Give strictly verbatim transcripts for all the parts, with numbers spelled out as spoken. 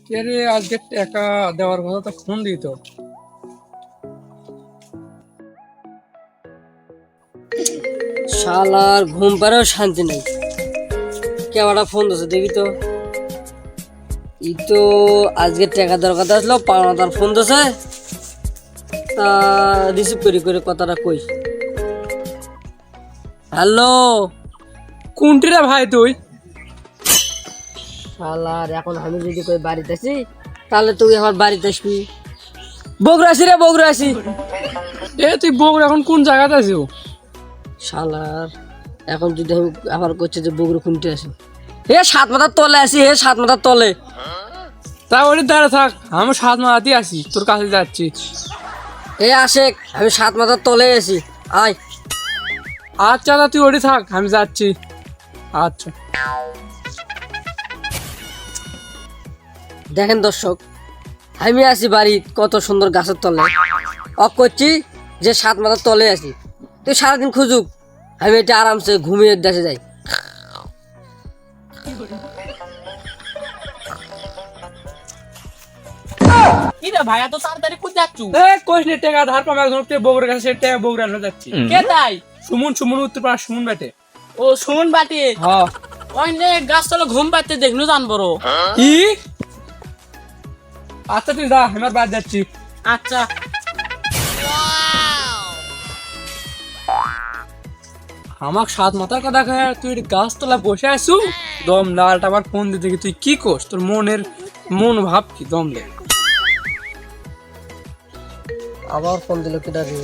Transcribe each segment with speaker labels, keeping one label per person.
Speaker 1: আরে আজকে টাকা দেওয়ার কথা তো ফোন দিত।
Speaker 2: শালার ঘুম পাড়েও শান্তি নেই। কেওয়াটা ফোন দিচ্ছে দেখি তো। ই তো আজকে টাকা দেওয়ার কথা আসলো, পাওনা তার ফোন দিচ্ছে। তা রিসিভ করি করে কথাটা কই। হ্যালো,
Speaker 1: কোনটি রে ভাই তুই?
Speaker 2: শালার এখন আমি যদি কই বাড়িতে আছি তাহলে তুই আমার বাড়িতে আসবি। বগুড়া আসি রে, বগুড়া আসি।
Speaker 1: এ তুই বগুড়া এখন কোন জায়গাতে আছিস?
Speaker 2: শালার এখন যদি আমি আবার করছি যে বগুড়া কোনটি আসি, হে সাত মাথার তলে আসি, হে সাত মাথার তলে।
Speaker 1: তা ওটি দাঁড়া থাক, আমি সাত মারাতেই আছি, তোর কাছে যাচ্ছি।
Speaker 2: এ আশেক, আমি সাত মাথার তলে আছি, আয়।
Speaker 1: আচ্ছা তা তুই ওটি থাক, আমি যাচ্ছি। আচ্ছা
Speaker 2: দেখেন দর্শক, আমি আছি বাড়ি কত সুন্দর গাছের তলে, অফ করছি যে সাত মাথার তলে আছি। তুই সারাদিন খুঁজুক, আমি এটা আরামসে ঘুমিয়ে দেশে যাই।
Speaker 3: কি রে ভাই এত তাড়াতাড়ি কোথায় যাচ্ছু?
Speaker 1: এ কইস নে টাকা ধার পাম একজন বগুড়ার কাছে টাকা বগুড়া না যাচ্ছি।
Speaker 3: কে তাই?
Speaker 1: সুমন সুমন উত্তর পাড়া সুমন বেটে।
Speaker 3: ও শুন বাটি
Speaker 1: হ্যাঁ
Speaker 3: ওই নে গাছ তলে ঘুম পাতে দেখনু জান বড়।
Speaker 1: কি? আচ্ছা তুই যা, আমার বাদ যাচ্ছি।
Speaker 3: আচ্ছা
Speaker 1: আমার সাত মাথার কথা কয়ে তুই গাছ তলা বসে আছু, দম লালটা আবার ফোন দিতে কি তুই কি করস? তোর মনের মন ভাব কি? দম দে।
Speaker 2: আবার ফোন দিল কেটা দিয়ে।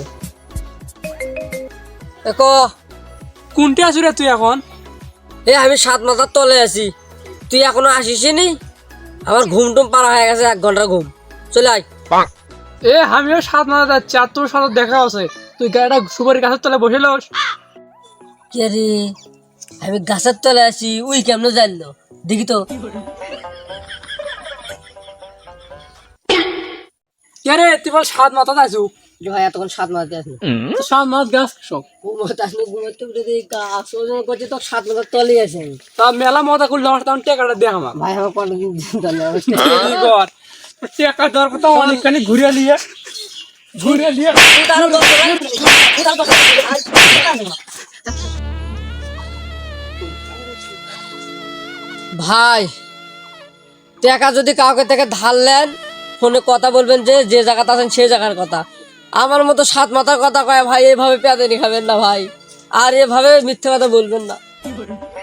Speaker 2: দেখো,
Speaker 1: কোনটি আছু রে তুই এখন?
Speaker 2: এ আমি সাত মাথার তলে আছি, তুই এখনো আসিস নি? আমার ঘুম টুম পারা হয়ে গেছে, এক ঘন্টার ঘুম। চলে আয়।
Speaker 1: এ আমিও সাত মাথা যাচ্ছি, আর তোর সাথে দেখা আছে। তুই গাড়িটা সুপারি গাছের তলায় বসে লস।
Speaker 2: কে রে, আমি গাছের তলে আছি, উই কেমন জানলো? দেখি তো।
Speaker 1: কে রে তুই বল সাত মাথা আছু?
Speaker 2: যে ভাই এতক্ষণ সাত মাথাতে আসি,
Speaker 1: সাত মাথা গাছ সব
Speaker 2: ঘুমোতে আসলে ঘুমোতে উঠে দেখি গাছ ওজন করছি, তো সাত মাথার তলেই আছে আমি।
Speaker 1: তা মেলা মজা করলে আমার তখন টাকাটা দে আমার।
Speaker 2: ভাই আমার কতদিন জানলে
Speaker 1: কি কর টাকা দেওয়ার কথা অনেকখানি ঘুরে নিয়ে ঘুরে নিয়ে
Speaker 2: ভাই টাকা যদি কাউকে থেকে ধার নেন, ফোনে কথা বলবেন যে যে জায়গাতে আছেন সেই জায়গার কথা। আমার মতো সাত মাথার কথা কয় ভাই, এভাবে পেঁদানি খাবেন না ভাই, আর এভাবে মিথ্যে কথা বলবেন না।